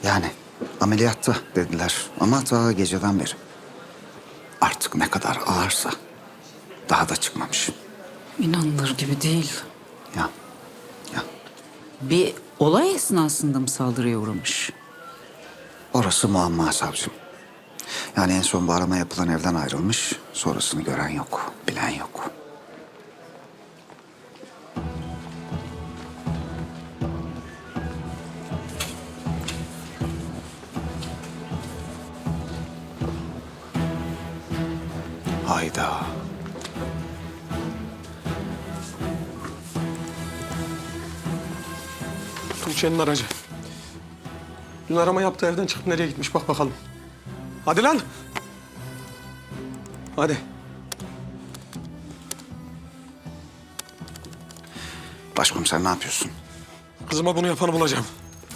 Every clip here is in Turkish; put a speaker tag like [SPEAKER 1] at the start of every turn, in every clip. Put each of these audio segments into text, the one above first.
[SPEAKER 1] Yani ameliyatta dediler ama ta geceden beri. Artık ne kadar ağırsa daha da çıkmamış.
[SPEAKER 2] İnanılır gibi değil.
[SPEAKER 1] Ya, ya
[SPEAKER 2] Bir olay esnasında mı saldırıya uğramış?
[SPEAKER 1] orası muamma savcım. Yani en son bu arama yapılan evden ayrılmış. Sonrasını gören yok, bilen yok. Hayda.
[SPEAKER 3] Tuğçe'nin aracı. Dün arama yaptığı evden çıkıp nereye gitmiş bak bakalım. Hadi lan. Hadi.
[SPEAKER 1] Başkomiser ne yapıyorsun?
[SPEAKER 3] Kızıma bunu yapanı bulacağım.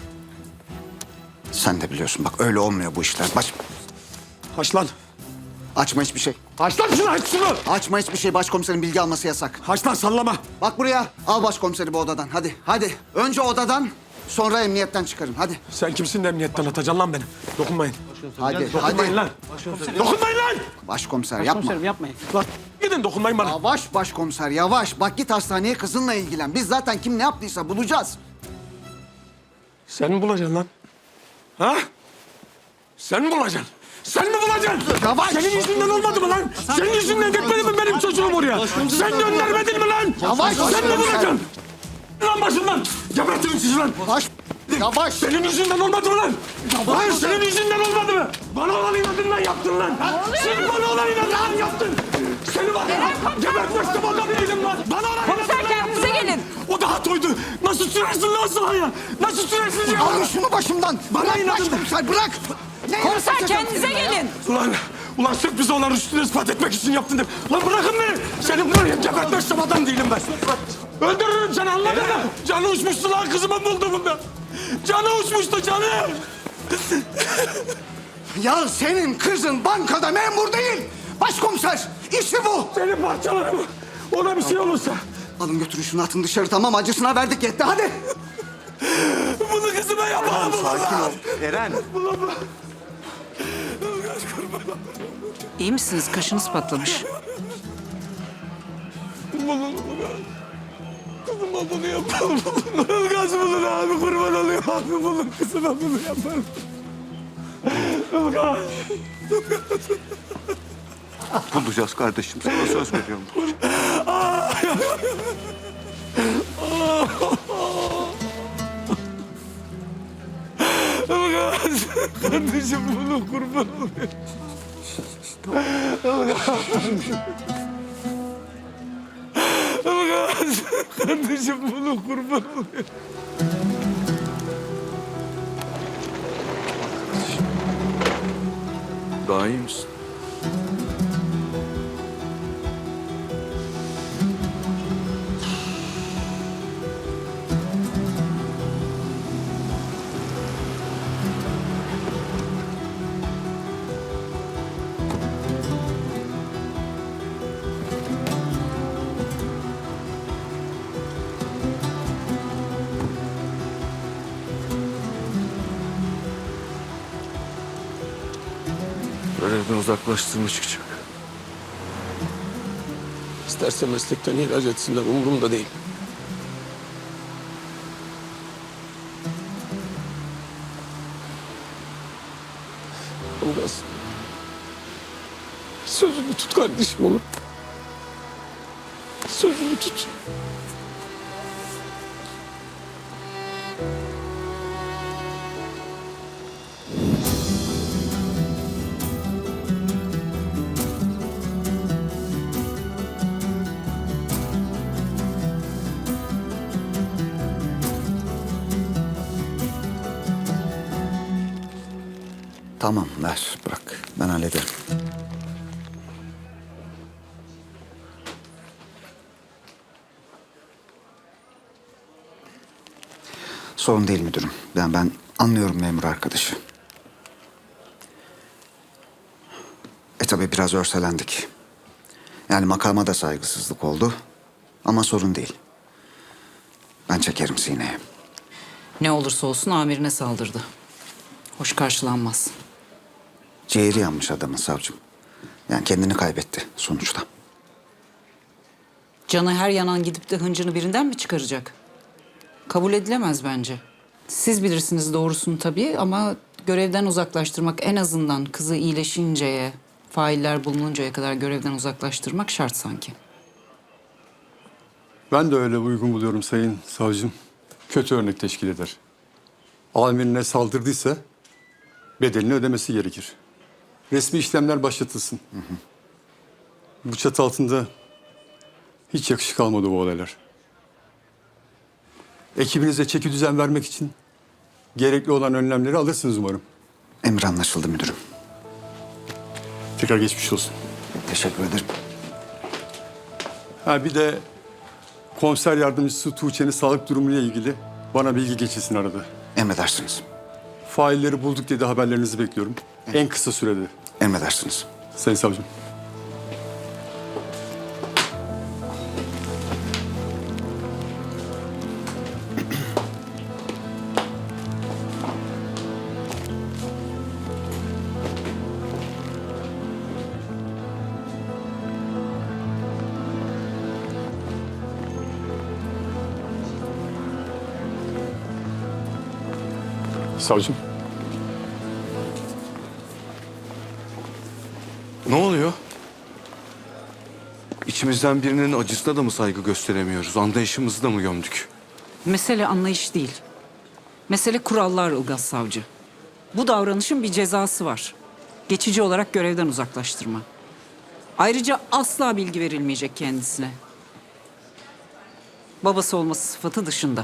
[SPEAKER 1] Sen de biliyorsun bak öyle olmuyor bu işler.
[SPEAKER 3] Haç lan.
[SPEAKER 1] Açma hiçbir şey.
[SPEAKER 3] Haç lan şunu, haç şunu.
[SPEAKER 1] Açma hiçbir şey. Başkomiserin bilgi alması yasak.
[SPEAKER 3] Haç lan, sallama.
[SPEAKER 1] Bak buraya. Al başkomiseri bu odadan. Hadi, hadi. Önce odadan, sonra emniyetten çıkarın. Hadi.
[SPEAKER 3] Sen kimsin de emniyetten atacaksın lan beni? Dokunmayın.
[SPEAKER 1] Hadi,
[SPEAKER 3] Dokunmayın
[SPEAKER 1] hadi.
[SPEAKER 3] lan. Dokunmayın lan.
[SPEAKER 1] Başkomiser yapma.
[SPEAKER 2] Yapmayın.
[SPEAKER 3] Lan gidin, dokunmayın bana.
[SPEAKER 1] Yavaş başkomiser, yavaş. Bak git hastaneye kızınla ilgilen. Biz zaten kim ne yaptıysa bulacağız.
[SPEAKER 3] Sen mi bulacaksın lan? Ha? Sen mi bulacaksın? Sen mi bulacaksın?
[SPEAKER 1] Yavaş.
[SPEAKER 3] Senin yüzünden olmadı mı lan? Senin yüzünden gitmedi mi benim çocuğum oraya? Sen göndermedin mi lan?
[SPEAKER 1] Yavaş.
[SPEAKER 3] Sen mi bulacaksın? Lan başımdan. Gebertirim sizi lan.
[SPEAKER 1] Yavaş.
[SPEAKER 3] Senin yüzünden olmadı mı lan? Hayır, senin yüzünden olmadı mı? Bana olan inadın lan yaptın lan. Sen bana olan inadın lan yaptın. Seni var ya, gebertmezdim o da değilim lan. Bana olan inadın lan
[SPEAKER 2] kendinize
[SPEAKER 3] yaptın lan.
[SPEAKER 2] gelin.
[SPEAKER 3] O daha toydu. Nasıl sürersin lan sahaya? Nasıl sürersin ya?
[SPEAKER 1] Alın şunu başımdan.
[SPEAKER 3] Bana
[SPEAKER 1] Bırak
[SPEAKER 3] inadın.
[SPEAKER 1] başkomiser, bırak. Ne
[SPEAKER 2] Komiser
[SPEAKER 1] yapacağım
[SPEAKER 2] kendinize
[SPEAKER 1] seninle ya?
[SPEAKER 2] gelin.
[SPEAKER 3] Ulan sırf bize olan rüştünü ispat etmek için yaptın de. Lan bırakın beni. Seni buraya gebertmezsem adam değilim ben. Öldürürüm seni, anladın mı? Canı uçmuştu lan kızımı bulduğumda. Canı uçmuştu, canı.
[SPEAKER 1] Ya senin kızın bankada memur değil. Başkomiser, işi bu.
[SPEAKER 3] Seni parçalarım. Ona bir şey olursa.
[SPEAKER 1] Alın götürün şunu, atın dışarı, tamam, acısına verdik, yetti, hadi.
[SPEAKER 3] Bunu kızıma yapamam.
[SPEAKER 4] Sakin ol. Eren.
[SPEAKER 2] İyi misiniz? Kaşınız patlamış.
[SPEAKER 3] Kızıma bunu yapalım. Ilgaz bulun abi, kurban olayım abi, bulun kızıma bunu yaparım. Ilgaz.
[SPEAKER 4] Bulacağız kardeşim. Sana söz veriyorum.
[SPEAKER 3] Ilgaz. Kardeşim bunu kurban olayım. Ilgaz. Kardeşim bunu kurban olayım.
[SPEAKER 4] Daha iyi misin? Görevden uzaklaştığımı çıkacak.
[SPEAKER 3] İsterse meslekten ihraç etsinler, umurumda değil. Ilgaz. Sözünü tut kardeşim oğlum. Sözünü tut.
[SPEAKER 1] Tamam, ver, bırak. Ben hallederim. Sorun değil müdürüm. Ben anlıyorum memur arkadaşı. Tabii biraz örselendik. Yani makama da saygısızlık oldu. Ama sorun değil. Ben çekerim sineye.
[SPEAKER 2] Ne olursa olsun amirine saldırdı. Hoş karşılanmaz.
[SPEAKER 1] Ciğeri yanmış adamın savcım. Yani kendini kaybetti sonuçta.
[SPEAKER 2] Canı her yanan gidip de hıncını birinden mi çıkaracak? Kabul edilemez bence. Siz bilirsiniz doğrusunu tabii ama görevden uzaklaştırmak en azından kızı iyileşinceye, failler bulununcaya kadar görevden uzaklaştırmak şart sanki.
[SPEAKER 5] Ben de öyle uygun buluyorum sayın savcım. Kötü örnek teşkil eder. Amirine saldırdıysa bedelini ödemesi gerekir. Resmi işlemler başlatılsın. Bu çatı altında hiç yakışık almadı bu olaylar. Ekibinize çeki düzen vermek için gerekli olan önlemleri alırsınız umarım.
[SPEAKER 1] Emir anlaşıldı müdürüm.
[SPEAKER 5] Tekrar geçmiş olsun.
[SPEAKER 1] Teşekkür ederim.
[SPEAKER 5] Ha bir de komiser yardımcısı Tuğçe'nin sağlık durumuyla ilgili bana bilgi geçilsin arada.
[SPEAKER 1] Emredersiniz.
[SPEAKER 5] Failleri bulduk diye de haberlerinizi bekliyorum. En kısa sürede.
[SPEAKER 1] Emredersiniz.
[SPEAKER 5] Sayın savcım. Savcım.
[SPEAKER 4] Ne oluyor? İçimizden birinin acısına da mı saygı gösteremiyoruz? Anlayışımızı da mı gömdük?
[SPEAKER 2] Mesele anlayış değil. Mesele kurallar Ilgaz Savcı. Bu davranışın bir cezası var. Geçici olarak görevden uzaklaştırma. Ayrıca asla bilgi verilmeyecek kendisine. Babası olması sıfatı dışında.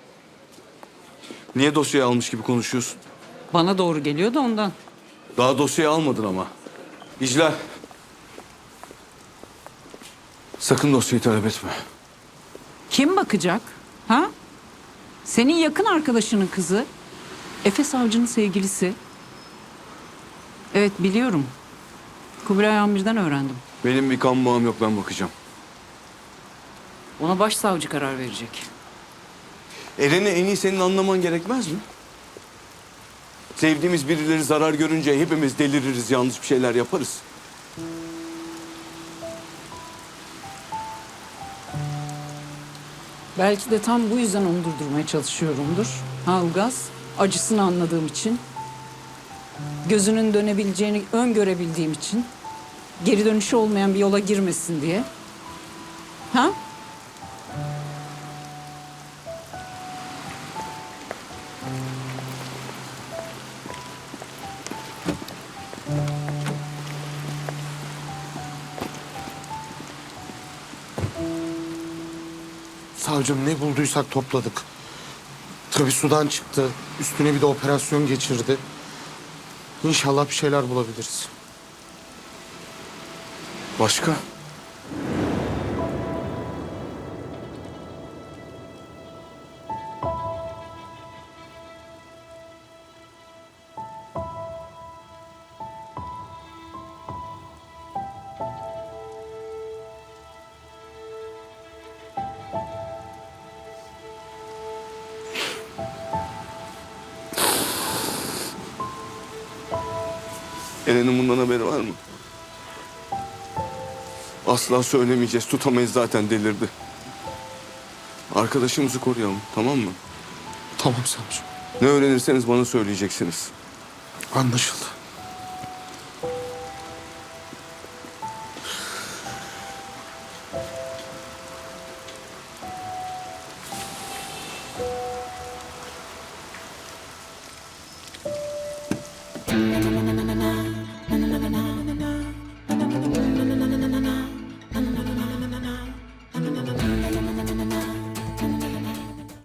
[SPEAKER 4] Niye dosyayı almış gibi konuşuyorsun?
[SPEAKER 2] Bana doğru geliyor da ondan.
[SPEAKER 4] Daha dosyayı almadın ama. İclal. Sakın dosyayı talep etme.
[SPEAKER 2] Kim bakacak? Ha? Senin yakın arkadaşının kızı. Efe Savcı'nın sevgilisi. Evet biliyorum. Kubilay Amir'den öğrendim.
[SPEAKER 4] Benim bir kan bağım yok, ben bakacağım.
[SPEAKER 2] Ona başsavcı karar verecek.
[SPEAKER 4] Eren'i en iyi senin anlaman gerekmez mi? Sevdiğimiz birileri zarar görünce hepimiz deliririz, yanlış bir şeyler yaparız.
[SPEAKER 2] Belki de tam bu yüzden onu durdurmaya çalışıyorumdur. Ha Ilgaz, acısını anladığım için. Gözünün dönebileceğini öngörebildiğim için. Geri dönüşü olmayan bir yola girmesin diye. Ha?
[SPEAKER 6] Savcım ne bulduysak topladık. Tabii sudan çıktı. Üstüne bir de operasyon geçirdi. İnşallah bir şeyler bulabiliriz.
[SPEAKER 4] Başka? Eren'in bundan haberi var mı? Asla söylemeyeceğiz. Tutamayız, zaten delirdi. Arkadaşımızı koruyalım, tamam mı?
[SPEAKER 6] Tamam savcım.
[SPEAKER 4] Ne öğrenirseniz bana söyleyeceksiniz.
[SPEAKER 6] Anlaşıldı.